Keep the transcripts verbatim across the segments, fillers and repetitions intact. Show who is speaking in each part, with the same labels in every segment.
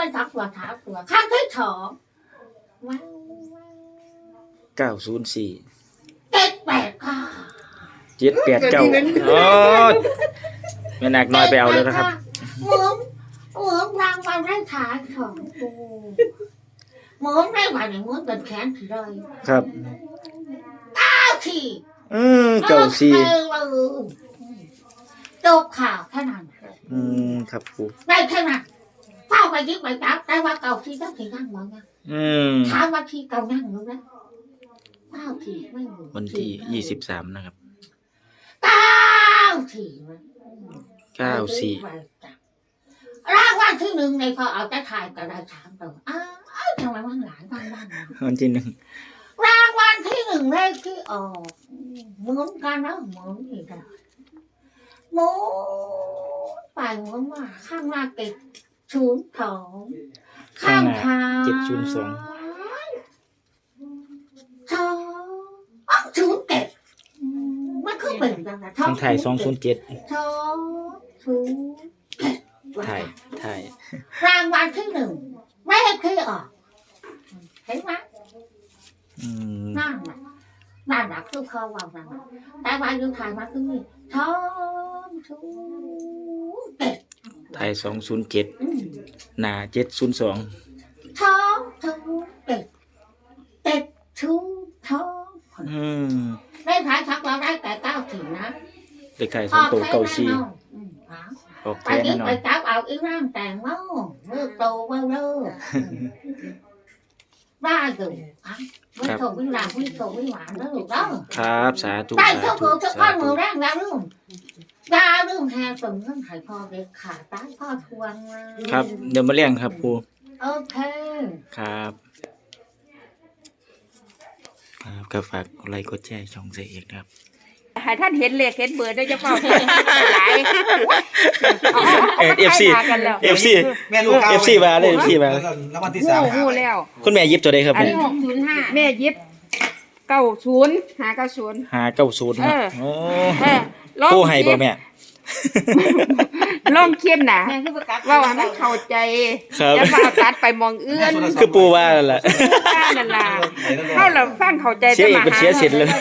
Speaker 1: เป็นทักตัวท้าตัวข้างที่สองว้าว
Speaker 2: เก้าศูนย์สี่
Speaker 1: เจ็ดแปดค่ะ
Speaker 2: เจ็ดแปดเก้าอ๋อแม่นักน้อยไปเอาแล้วนะครับ
Speaker 1: เหมือนเหมือนรางวัลได้ขายของกูเหมือนได้หวานเหมือนเป็นแขนถือเลย
Speaker 2: ครับ
Speaker 1: เก้าที
Speaker 2: อืมเก้าสี่
Speaker 1: จบข่าวแค่นั้น
Speaker 2: อืมครับครู
Speaker 1: ได้แค่นั้นเฝ้าไปยึดไปจับได้ว่าเก่าทีต้องถึงนั่งมั้งนะ
Speaker 2: อืม
Speaker 1: ถามว่าทีเก่านั่งหรือนะเก้าทีไม่รู้
Speaker 2: วันที่ยี่สิบสามนะครับ
Speaker 1: เก้าที
Speaker 2: เก้าสี่
Speaker 1: รางวัลที่หนึ่งในพอเอาจะถ่ายก็ได้ถามตัวอ้าวทำไมว่างหลานบ้างบ้าง
Speaker 2: วันที่หนึ่ง
Speaker 1: รางวัลที่หนึ่งเลขที่ออกเหมือนกันนะเหมือนอีกแล้วหมุนไปหมุนมาข้างหน้าติดศูนย์สองข้างท้าย
Speaker 2: เจ็ดศูนย์สอง
Speaker 1: สองอ๋อศูนย์เจ็ดมันคือเป็นยังไง
Speaker 2: ข้างไทยสองศูนย์เจ็ด
Speaker 1: สองศูนย์เจ็ด
Speaker 2: ไทยไทย
Speaker 1: รางวัลที่หนึ่งเลขที่ออกเห็นไหม
Speaker 2: อืม
Speaker 1: นั่นน่ะนั่นน่ะคือเขาว่านั่นน่ะแต่ว่าอยู่ไทยมาคือนี่สองศูนย์เจ็ด
Speaker 2: ไทยสองศูนย์เจ็ด
Speaker 1: อืม
Speaker 2: หนาเจ็ดศูนย์สอง
Speaker 1: สองศูนย์เจ็ดเจ็ดศูนย์สอง
Speaker 2: อืม
Speaker 1: ได้ขายชักเราได้แต่เก้าถึงนะ
Speaker 2: เด็กไทยสองตัวเก้าสี่
Speaker 1: อืมเอา
Speaker 2: ออก
Speaker 1: ไป
Speaker 2: แท้
Speaker 1: ยึ
Speaker 2: แน่
Speaker 1: ด
Speaker 2: นอ
Speaker 1: ไป
Speaker 2: น
Speaker 1: จับเอาอีร่างแต่งเมาเมื่อโตเมื่อเลิกได้อยู่อ่ะไม่โตไม่หลังไม่โตไม่หวานแล้วลูกเด้อ
Speaker 2: ครับสาธุ
Speaker 1: ได้
Speaker 2: สา
Speaker 1: เท่า
Speaker 2: ธุ
Speaker 1: กูจะ
Speaker 2: สา
Speaker 1: ก้อน
Speaker 2: ธุ
Speaker 1: มือแรงแล้วลืมยาลืมแฮส่งเงินไข่พอเด็กขาตายพ่อทวงมา
Speaker 2: ครับ เดี๋ยวมาเลี้ยงครับครู
Speaker 1: โอเค
Speaker 2: ครับครับก็ฝากกดไลค์กดแชร์ช่องเสกเอกครับ
Speaker 3: ให้ท่านเห็นเลขเห็นเบอร์ได้จะเปล่าหลาย
Speaker 2: เอฟซี
Speaker 3: กันแล้ว
Speaker 2: เอฟซี
Speaker 4: แม่ลูกค้า
Speaker 2: เอฟซีมาเลยเอฟซีมา
Speaker 4: แล้ววันที่
Speaker 3: หู
Speaker 4: สาม
Speaker 3: หูแล้ว
Speaker 2: คุณแม่ยิบตัวใดครับ
Speaker 3: อัน
Speaker 2: เนี่ย
Speaker 3: นี้หกศูนย์ห้าแม่ยิบเก้าศูนย์หาเก้าศูนย์
Speaker 2: หาเก้าศูนย์
Speaker 3: เออ
Speaker 2: โอ้
Speaker 3: เออลอง
Speaker 2: ผู้ให้บ่แม่
Speaker 3: ลองเขียนน่ะว่าว่ามันเข้าใจ
Speaker 2: ครับ
Speaker 3: จะมาตัดไปมองเอื้อน
Speaker 2: คือปูว่านั่นแหละ
Speaker 3: นั่นล่ะเข้าแล้วฟังเข้าใจ
Speaker 2: เสียเอกเป็นเสียสิทธิ์เลย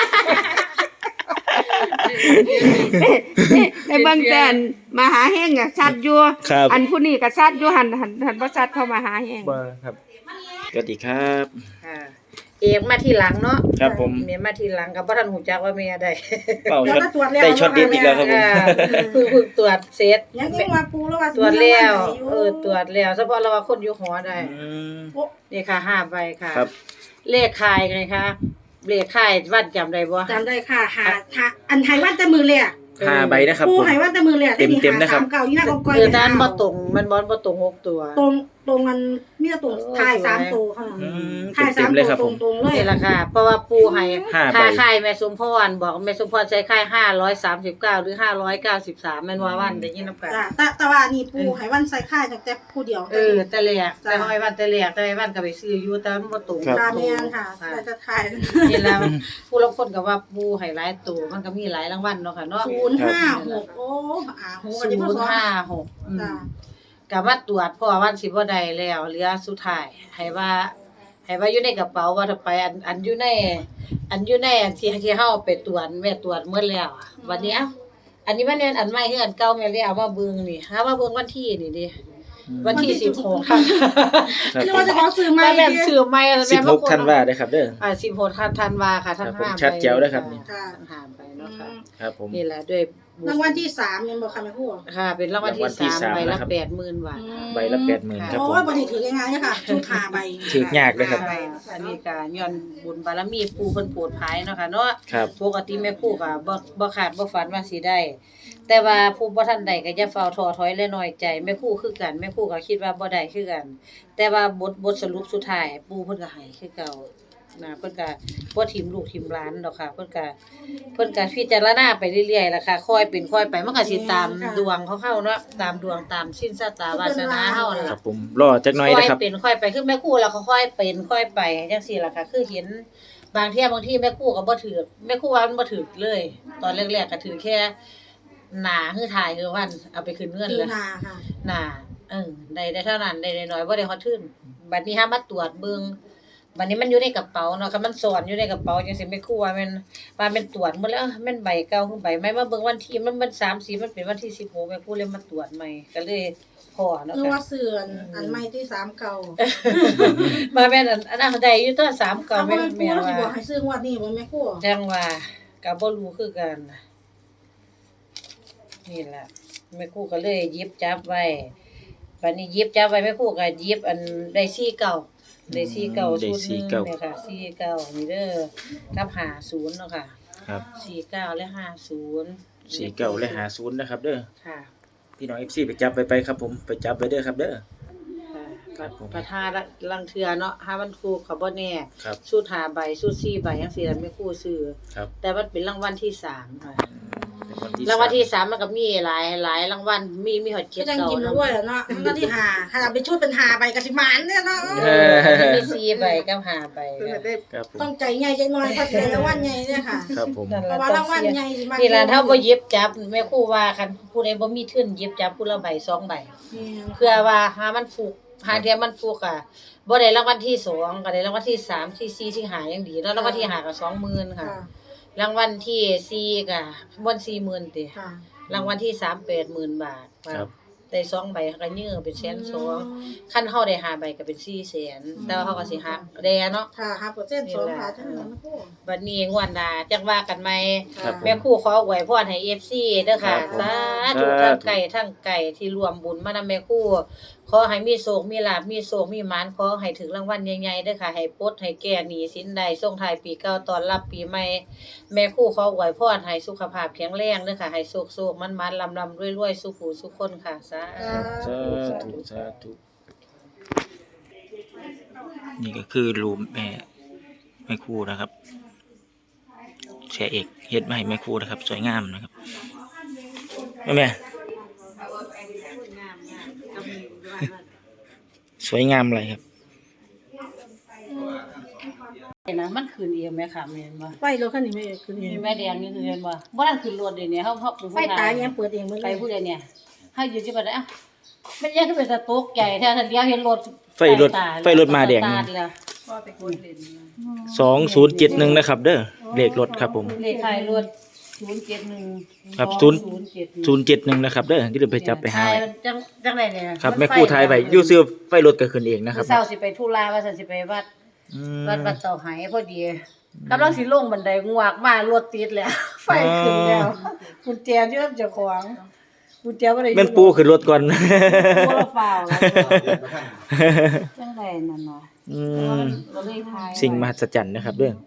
Speaker 3: ในเบื้องต้นมหาแห้งอ่ะชัดอยู่
Speaker 2: ครับ
Speaker 3: อันผู้นี้ก็ชัดอยู่หันหันหันบ่ชัดเข้ามาหาแห้ง
Speaker 2: บ่ครับสวัสดีครับ
Speaker 5: ค่ะเอกมาทีหลังเนาะ
Speaker 2: ครับผม
Speaker 5: เมียมาทีหลังกับบ่ทันหูจักว่าเมียได้
Speaker 2: เป่าช็อตได้ช็อตเด็ดอีกแล้วครับผม
Speaker 5: อ่าเพิ่งเพิ่งตรวจเสร็จ
Speaker 6: ยังยิ่งว่าปูแล้วว่า
Speaker 5: ตรวจแล้วเออตรวจแล้วเฉพาะเราว่าคนอยู่หอได้
Speaker 2: อืม
Speaker 5: นี่ค่ะห้าใบค่ะ
Speaker 2: ครับ
Speaker 5: เลขคายไงคะเลขคายวัดจำได้บ่
Speaker 6: จำได้ค่ะหาหาอันไทยว่าแต่มือเลยอ่ะ
Speaker 2: ห้าใบนะครับ
Speaker 6: ปู
Speaker 2: ผม
Speaker 6: ไทยว่าแต่มือเลยอ่ะ
Speaker 2: เต็มๆนะครับ
Speaker 6: สามเก่ายี่ห้ากองก้อย
Speaker 5: คือด้านบ่ตรงมันบ่บ่ตรงหกตัว
Speaker 6: ตรงตรงมันมีแต่ตรง
Speaker 5: เออ
Speaker 6: ถ่าย
Speaker 5: สวย
Speaker 6: สามตัวค่ะ
Speaker 2: อืม
Speaker 6: ถ่าย
Speaker 2: เต็
Speaker 6: สาม
Speaker 2: มๆเลย
Speaker 6: ตัว
Speaker 2: ครับ
Speaker 6: ต
Speaker 2: ผ
Speaker 6: รง
Speaker 2: ม
Speaker 6: ตรงๆเลย
Speaker 5: นี่แหละค่ะ เพราะว่าปูให้
Speaker 2: ห้าใบ
Speaker 5: ค่าค่ายแม่สมพรบอกแม่สมพรใช้ค่ายห้าร้อยสามสิบเก้าหรือห้าร้อยเก้าสิบสามแม่นว่าวันได้ยินนำกัน
Speaker 6: จ้ะแต่แต่ว่านี่ปูไทยวันใส่ค่ายจากแต่ผู้เดียว
Speaker 5: เออแต่แรกแต่ห้อยวันแต่แรกแต่ไอ้วันก็ไปซื้ออยู่แต่มันบ่ตรง
Speaker 2: ครับ
Speaker 6: ตาเมียนค่ะแต่จะถ่าย
Speaker 5: นี่แหละผู้ลางคนก็ว่าปูให้หลายตัวมันก็มีหลายรางวัลเนาะค่ะเนาะ
Speaker 6: ศูนย์ห้าหกโอ้อ่าหูกัน
Speaker 5: ศู
Speaker 6: ที่พ่อน
Speaker 5: ย์
Speaker 6: สอน
Speaker 5: ห้าหกอืม
Speaker 6: จ้ะ
Speaker 5: ก็มาตรวจเพราะว่าวันสิบ่ได้แล้วเหลือสุดท้ายให้ว่าให้ว่าอยู่ในกระเป๋าว่าถ้าไปอันอันอยู่ในอันอยู่ในอันที่ที่เฮาไปตรวจแม่ตรวจหมดแล้วอะวันนี้เอ้าอันนี้มันแม่นอันใหม่คืออันเก่าแม่เลยเอามาเบิ่งนี่หามาเบิ่งวันที่นี่ดิวันที่สิบหกค่ะ
Speaker 2: ครับ
Speaker 6: เรียก
Speaker 2: ผ
Speaker 6: ว่าม จะขอซื้อใหม่
Speaker 5: แม่น
Speaker 6: ดิ
Speaker 5: ซื้อใหม่
Speaker 2: สิบหกธันวาคมนะครับเด้อ
Speaker 5: อ่าสิบหกธันวาค่ะ
Speaker 2: ครั
Speaker 5: ท่าน
Speaker 2: บผม
Speaker 5: ห้าม
Speaker 2: ชัดแจ๋วเลยครับนี่
Speaker 6: ค่ะ
Speaker 5: ท่านห้ามไปเนาะค่ะ
Speaker 2: ครับผม
Speaker 5: นี่แหละด้วยบุญ
Speaker 6: รางวัลที่สามยังบอกค่ะแม่ครู
Speaker 5: ค่ะ เป็นรางวัลที่
Speaker 2: รางวัลที่
Speaker 5: สาม
Speaker 2: สาม
Speaker 5: ใบละ
Speaker 2: นะครับ
Speaker 5: แปดหมื่นบาท
Speaker 2: ใบละแปดหมื่นครับผ
Speaker 6: โอ้
Speaker 2: ม
Speaker 6: ยบริถือง่ายๆเนี่ยค่ะชุดหาใบ
Speaker 2: ถือยากเลยครับ
Speaker 5: ค่ะอันนี้ก็ย้อนบุญบารมีปู่เพิ่นโปรดภายเนาะค่ะเนาะ
Speaker 2: ครับ
Speaker 5: ปกติแม่ครูก็บ่บ่คาดบ่ฝันว่าสิได้ แต่ว่าผู้บ่ทันได้ก็อย่าเฝ้าท้อถอยและน้อยใจแม่ครูคือกันแม่ครูก็คิดว่าบ่ได้คือกัน แต่ว่าบทบทสรุปสุดท้ายปู่เพิ่นก็ให้คือเก่านะเพิ่นก็บ่ทิ่มลูกทิ่มหลานดอกค่ะ เพิ่นก็เพิ่นก็พิจารณาไปเรื่อยๆล่ะค่ะค่อยเป็นค่อยไปมันก็สิตามดวงของเฮาเนาะตามดวงตามชิ้นชะตาวาสนาเฮานั่น
Speaker 2: ครั
Speaker 5: ล่ะ
Speaker 2: บผมรอจักหน่อยนะครับ
Speaker 5: ค่อยเป็นค่อยไปคือแม่ครูแล้วก็ค่อยเป็นค่อยไปจังซี่ล่ะค่ะ คือเห็นบางเที่ยบางที่แม่ครูก็บ่ถือแม่ครูว่ามันบ่ถือเลย ตอนแรกๆก็ถือแค่หน้าคือถ่ายคือวันเอาไปขึ้นเงิน
Speaker 6: คือ
Speaker 5: เลย
Speaker 6: นาค่ะ
Speaker 5: หน้าเออได้ได้เท่านั้นได้น้อยๆบ่ได้ฮอดทึนบัดนี้หามาตรวจเบิ่งบัดนี้มันอยู่ในกระเป๋าเนาะคันมันซ่อนอยู่ในกระเป๋าจังซี่แม่ครูว่าแม่นว่าแม่นตรวจหมดแล้วแม่นใบเก่าคือใบใหม่มาเบิ่งวันที่มันมันสามสิบมันเป็นวันที่สิบหกแม่ครูเลยมาตรวจใหม่ก็เลยพอเนาะ
Speaker 6: นึก
Speaker 5: ค่ะ
Speaker 6: ว่าเสื่อนอันใหม่ที่สามเก่า
Speaker 5: มาแม่นอันอันนั้นได้อยู่ตัวสามเก่า
Speaker 6: เอา
Speaker 5: แม่
Speaker 6: บ่แม่นปู่
Speaker 5: แม่
Speaker 6: เราสิบอก
Speaker 5: ว่า
Speaker 6: ให้ซื้องวดนี้บ่แม่ครู
Speaker 5: จังว่าก็บ่รู้คือกัน นี่แหละแม่ครูก็เลยหยิบจับไว้บัดนี้หยิบจับไว้แม่ครูก็หยิบอันได้สี่เก้าได้สี่เก้า
Speaker 2: ได้
Speaker 5: ชุดห
Speaker 2: สี่
Speaker 5: นึง
Speaker 2: เก้า
Speaker 5: เนี่ยค่ะสี่เก้านี่เด้อกับห้าศูนย์เนาะค่ะ
Speaker 2: ครับ
Speaker 5: สี่เก้าและห้าศูนย์
Speaker 2: สี่เก้าและหาศูนย์นะครับเด้อ
Speaker 5: ค่ะ
Speaker 2: พี่น้อง เอฟ ซี ไปจับไปไปครับผมไปจับไปเด้อครับเด้อ
Speaker 5: ค่ะ
Speaker 2: ครับผม
Speaker 5: ประทาละลังเทือเนาะห้ามันถูกก็บ่แน่
Speaker 2: ครับ
Speaker 5: สูตรห้าใบสูตรสี่ใบจังซี่ล่ะแม่ครูซื้อ
Speaker 2: ครับ
Speaker 5: แต่มันเป็นรางวัลที่สามค่ะ
Speaker 2: เป็นวันที่
Speaker 5: รางวัลที่
Speaker 2: ส
Speaker 5: สามมันก็มีหลายหลายรางวัลมีมีฮอด
Speaker 6: ก็
Speaker 5: เจ็ด
Speaker 6: จัง
Speaker 5: เก้า
Speaker 6: กิน
Speaker 5: เนาะ
Speaker 6: ด้วยเนาะมันก็ที่หาถ้าเอาไปชุดเป็นหาใบก็สิหมานเนี่ยเนาะ
Speaker 2: เออ
Speaker 5: มีสี่ใบกับห้าใบค่ะ
Speaker 2: ครับผม
Speaker 6: ต้องใจใหญ่ใจน้อยเพราะสิได้รางวัลใหญ่เนี่ยค่ะ
Speaker 2: ครับผม
Speaker 5: นั่น
Speaker 6: เพ
Speaker 5: ล่ะ
Speaker 6: ราะว่า
Speaker 5: ต้
Speaker 6: รา
Speaker 5: อง
Speaker 6: งวัล
Speaker 5: เสีย
Speaker 6: ใหญ่สิมา
Speaker 5: นี่ล่ะถ้าบ่หยิบจับแม่ครูว่าคันผู้ใดบ่มีทุนหยิบจับผู้ละใบสองใบ เพื่อว่าหามันฟุกหาเทียมันฟุกอ่ะบ่ได้รางวัลที่สองก็ได้รางวัลที่สามที่สี่ที่ห้ายังดีแล้วรางวัลที่ห้าก็สองหมื่นค่ะ
Speaker 6: ค่ะ
Speaker 5: รางวัลที่สี่ก็บ่นสี่หมื่นติ
Speaker 6: ค่ะ
Speaker 5: รางวัลที่สาม แปดหมื่นบาท
Speaker 2: ครับ
Speaker 5: ได้สองใบก็ยื้อเป็นแสนสองคันเฮาได้ห้าใบก็เป็นสี่แสนแต่ว่าเฮาก็สิหักแดเนาะ
Speaker 6: ค่ะห้าเปอร์เซ็นต์สองบาทเท่านั้นแม่ครู
Speaker 5: บัดนี้งวดหน้าจักว่ากันใหม่
Speaker 2: ครับผม
Speaker 5: แม่ครูขออวยพรให้ เอฟ ซี เด้อค่ะ
Speaker 2: ครับผม
Speaker 5: สาธุ
Speaker 2: สาธุ
Speaker 5: ทั้งไก่ทั้งไก่ที่รวมบุญมานำแม่ครูขอให้มีโชคมีลาภมีโชคมีหมานขอให้ถึงรางวัลใหญ่ๆเด้อค่ะให้ปลดให้แก้หนี้สินใดส่งท้ายปีเก่าต้อนรับปีใหม่แม่ครูขออวยพรให้สุขภาพแข็งแรงเด้อค่ะให้โชคๆมันๆลำๆรวยๆสุขหูสุขคนค่ะสา
Speaker 2: สา
Speaker 5: ธุ
Speaker 2: ธุสาธุนี่ก็คือรูมแม่แม่ครูนะครับแชร์เอกเฮ็ดมาให้แม่ครูนะครับสวยงามนะครับแม่แม่สวยงามเลยครับ
Speaker 5: นะมันขึ้นเองแม่ค่ะแม่นบ่
Speaker 6: ไฟรถคันนี้ไม่คือเอง
Speaker 5: แม่แดงนี่คือเห็นบ่บ่ทันขึ้นรถเดี๋ยวนี้เฮาเฮา
Speaker 6: ไฟตายยังเปิดเองหมด
Speaker 5: ไป
Speaker 6: เลย
Speaker 5: ผู้ใดเนี่ยเฮาอยู่ที่บ่ได้อ้าวมันยังคือเป็นตะตกใจแท้ทันเดียวเห็นรถ
Speaker 2: ไฟรถไฟรถมาแดง
Speaker 5: สตร์ทแล้ว
Speaker 2: สองศูนย์เจ็ดหนึ่งนะครับ เด้อเลขรถครับผม
Speaker 5: เลขท้ายรถศูนย์เจ็ดหนึ่ง
Speaker 2: ครับ
Speaker 5: ศู
Speaker 2: ศู
Speaker 5: น
Speaker 2: นย์
Speaker 5: ย์เจ็ด
Speaker 2: ศูนย์เจ็ดหนึ่งนะครับ เด้อที่เราไปจับไปหาไว้
Speaker 5: จังจังไดเนี่ย
Speaker 2: ครับแม่ครูทายไว้อยู่ซื้อไฟรถก็ขึ้นเองนะครับ
Speaker 5: เช้าสิไปธุระว่าซั่นสิไปวัด
Speaker 2: อืม
Speaker 5: วัดวัดเต่าไหพอดีกำลังสิลงบันไดงวกมารถติดแล้ว ไฟขึ้นแล้วกุญแจอยู่กับเจ้าของกุญแจบ่ได้อยู่
Speaker 2: แม่นปูขึ้นรถก่อน
Speaker 5: บ่ละฟ้าวแล้วจังไดนั่นเนาะ
Speaker 2: อืม
Speaker 5: บ่เลยทาย
Speaker 2: สิ่งมหัศจรรย์นะครับ เด้อ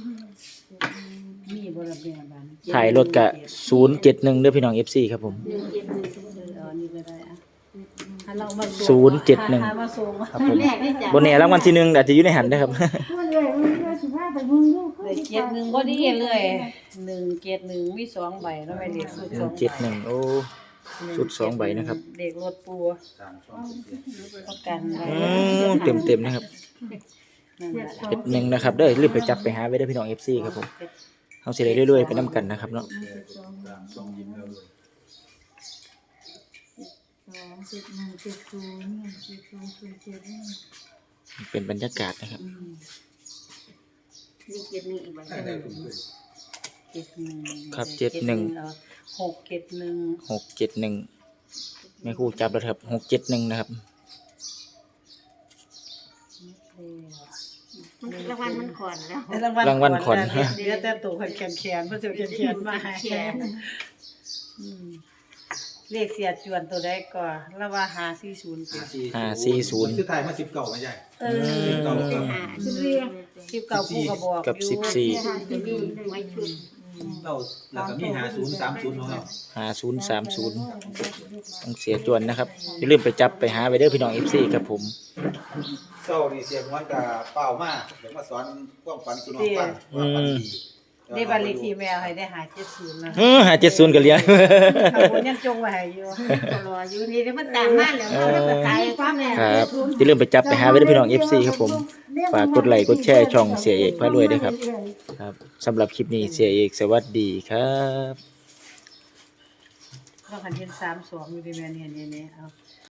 Speaker 5: มีบ่ละแม่บ้าน
Speaker 2: ถ่ายรถกะศูนย์เจ็ดหนึ่งเด้อพี่น้อง เอฟ ซี ครับผม
Speaker 5: เออนี่ก็ได้อะถ้าเรามา
Speaker 2: ศูนย์เจ็ดหนึ่ง
Speaker 5: ถ้ามาส่ง
Speaker 2: ครับผมบนแหน่รางวัลที่หนึ่งอาจจะอยู่ในหันนะครับ
Speaker 5: ได้เจ็ดหนึ่งบ่ดีเลยหนึ่งเจ็ดหนึ่งมีสองใบแล้วไม่เลขสุด
Speaker 2: ห
Speaker 5: ส
Speaker 2: นึ่
Speaker 5: อง ง
Speaker 2: เจ็ดหนึ่งโอ้ สุดสองใบนะครับ
Speaker 5: เด็กรถปูประกันไว้
Speaker 2: อืมเต็มเต็มๆนะครับ
Speaker 5: นั่นแหละ
Speaker 2: เจ็ดหนึ่งนะครับ เด้อรีบไปจับไปหาไว้เด้อพี่น้อง เอฟ ซี ครับผมเอาสิได้เรื่อยๆไปนํกันนะครับเนาะเป็นบรรยากาศนะครับ
Speaker 5: มีเจ็ดหนึ่งอีกใบใช่ไหมเจ็ดหนึ่ง
Speaker 2: ครับเจ็ดหนึ่ง
Speaker 5: เอาหกเจ็ดหนึ่ง
Speaker 2: หกเจ็ดหนึ่งแม่ครูจับแล้วครับหกเจ็ดหนึ่งนะครับ
Speaker 1: รางวัลมันขอนแล้ว
Speaker 2: รางวัลขวัญ
Speaker 5: เดี๋ยวแต่ตัวขวัญแขนแขนเพื่อจะแขนแขนมาให้อืมเลขเสียจวนตัวได้ก่อนแล้วว่าหาสี่ศูนย์เป็น
Speaker 2: ห้าสี่ศูนย์
Speaker 4: ชุดไทยมาสิบเก่าไม่ใช่
Speaker 5: เออ
Speaker 4: สิบเก่ากับ
Speaker 5: สิบเก้าผู้ก็บอก
Speaker 2: กับ
Speaker 5: อยู่
Speaker 2: สิบสี่
Speaker 4: เก่าแล้วก็มีหาศูนย์สามศูนย์ของเรา
Speaker 2: ห้าศูนย์สามศูนย์ต้องเสียจวนนะครับอย่าลืมไปจับไปหาไว้เด้อพี่น้อง เอฟ ซี ครับผม
Speaker 4: เก่าดีเสียงวันกับเป้ามากเดี๋ยวมาสอนความฝันสุนทรฟังว่าฝันดี
Speaker 5: ได้บัตรเลขที่แมวให้ได้หาเจ็ดศูนย์นะ
Speaker 2: เออหาเจ็ดศูนย์กันเลี้ยง
Speaker 5: ข้างบนยังจงไว้ให้อยู่
Speaker 1: รออยู่นี่เดี๋ยวมันตามมาแล้วมันก็ตายความแน่
Speaker 2: ครับอย่าลืมไปจับไปหาไว้ด้วยพี่น้อง เอฟ ซี ครับผมฝากกดไลค์กดแชร์ช่องเสียเอกพระรวยด้วยครับครับสำหรับคลิปนี้เสียเอกสวัสดีครับ
Speaker 5: เราคันเห็นสามสองอยู่ที่แม่เนี่ยเนี่ยเนี่ยเอา